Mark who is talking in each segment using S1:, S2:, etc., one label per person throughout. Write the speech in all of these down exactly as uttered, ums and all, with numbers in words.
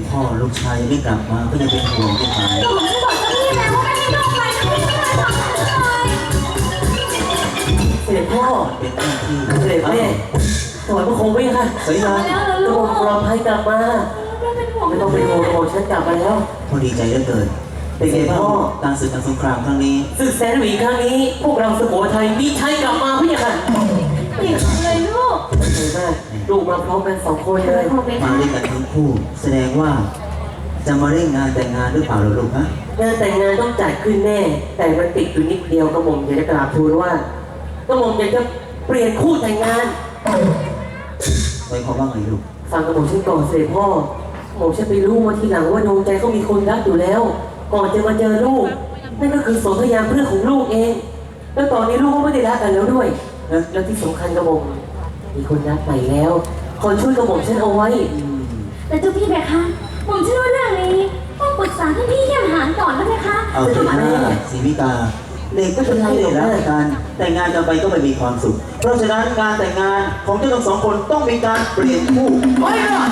S1: พ่อลูกชายยังไม่กลับมาก็ยังเป็นห่วงไม่หาย
S2: ก็ผมจะบอกเจ้าพี่แล้วว่าไม่ให้ลูกไปนะไม่ให้ทำอะไรเลย
S3: เสด็จพ่อ
S1: เป็นหน้าที่
S3: เสด็จแม่ถวายพระโคมไว้ค่ะ
S1: สวยงาม
S2: แล้วเหรอก
S3: ระ
S2: ลู
S3: หม่
S2: ก
S3: อมปลอดภัยกลับมา
S2: ไม่เป็นห่วง
S3: ไม่ต้องเป็นห่วงกระหม่อมฉันกลับมาแล้ว
S1: พ่อดีใจเหลือเกินเป็นไงบ้างการศึกการสงครามครั้งนี้
S3: ศึกแสนหวีครั้งนี้ พวกเราสุโขทัยมีชัยกลับมาพี่ค่ะ
S2: เก่งเลยลูก
S3: เห็นไหมลูกมาพร้อมกันสองคนเลย
S2: ขอบคุณ
S1: มา
S2: ค่ะ
S1: ด้วยกันทั้งคู่ แสดงว่าจะมาเร่งงานแต่งงานหรือเปล่าเหรอลูกฮะ
S3: งานแต่งงานต้องจัดขึ้นแน่ แต่มันติดอยู่นิดเดียวกระหม่อมอยากจะกราบทูลว่ากระหม่อมอยากจะเปลี่ยนคู่แต่งงาน
S1: หมายความว่าไงลูก
S3: ฟังกระหม่อมฉันก่อนเสด็จพ่อหม่อมฉันไปรู้มาทีหลังว่าดวงใจเขามีคนรักอยู่แล้ว ก่อนจะมาเจอลูกนั่นก็คือสนธยาเพื่อนของลูกเอง แล้วตอนนี้ลูกก็ไม่ได้รักกันแล้วด้วยแล้วแล้วที่สำคัญกระหม่อมมีคนรักใหม่แล้วคอยช่วยกระหม่อมฉันเอาไว้
S2: แต่เจ้าพี่เบคะผมเชื่อว่าเรื่องนี้ต้องปรึกษาท่านพี่เยี่ยมหานก่อนนะเบคะ
S1: เอาเถอะนะศรีวิกาเด็กก็เป็นไรเลยรักกันแต่งงานกันไปก็ไม่มีความสุข เพราะฉะนั้นการแต่งงานของเจ้าทั้งสองคนต้องมีการเปลี่ยนคู่
S3: ไม่หรอก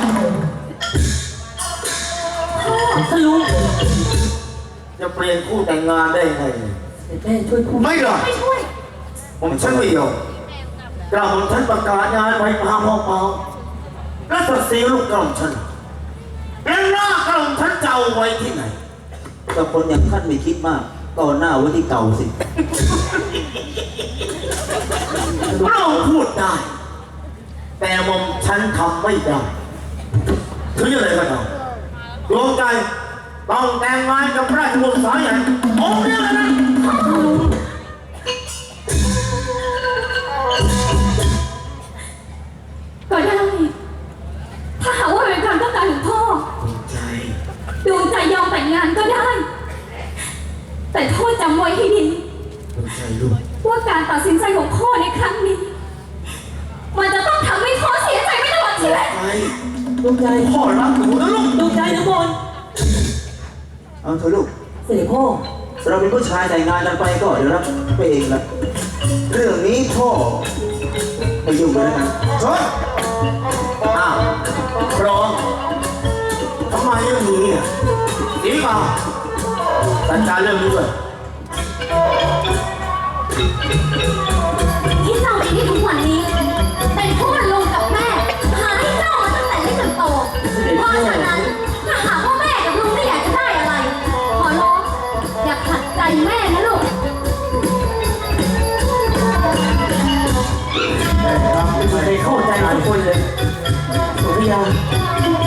S3: ท่านลุง
S4: จะเปลี่ยนคู่แต่งงานได้ไง
S3: แม่ช่วยพูด
S4: ไม่หรอก
S2: ไม่ช่วย
S4: ผมฉันไม่ยอมกระผมฉันประกาศงานไว้พาพ่อเปาและตัดสีลูกกระผมฉันแล้วหน้ากระผมฉันจะเอาไว้ที่ไหน
S1: แต่คนอย่างท่านไม่คิดมากก่อนหน้าไว้ที่เก่าสิ
S4: เราพูดได้ แต่หมอมฉันทำไม่ได้ถึงอะไรก็ตามดวงใจต้องแต่งงานกับราชวงศ์สายใหญ่องค์เดียวนะ
S2: ก็ได้ ถ้าหากว่าเป็นความต้องการของพ่อ
S4: ดวงใจ
S2: ดวงใจยอมแต่งงานก็ได้ แต่พ่อจำไว้ให้ดี
S4: ดวงใจลูก
S2: ว่าการตัดสินใจของพ่อในครั้งนี้ มันจะต้องทำให้พ่อเสียใจไม่ตลอดชีวิต
S4: ไป
S3: ดวงใจ
S4: พ่อรักหนูนะลูก
S3: ดวงใจนะบน
S1: เอาเถอะลูก
S3: เสด็จพ่อ
S1: เราเป็นผู้ชายแต่งงานกันไปก็เดี๋ยวรับไปเองละเรื่องนี้พ่อไม่ยุ่งเลยนะ
S4: เฮ้ยอ้าวพร้อมทำไมเรื่องนี้อ่ะดีป่ะจัดการเรื่องนี้ด้วย
S2: ที่เจ้ามีที่ทุกวันนี้เป็นเพราะว่าลุงกับแม่หาให้เจ้ามาตั้งแต่เล็กจนโต เพราะฉะนั้นถ้าหากว่าแม่กับลุงไม่อยากจะได้อะไร ขอร้องอย่าขัดใจแม่นะลูก
S3: ไม่เข้าใจทุกคนเลยสุริยา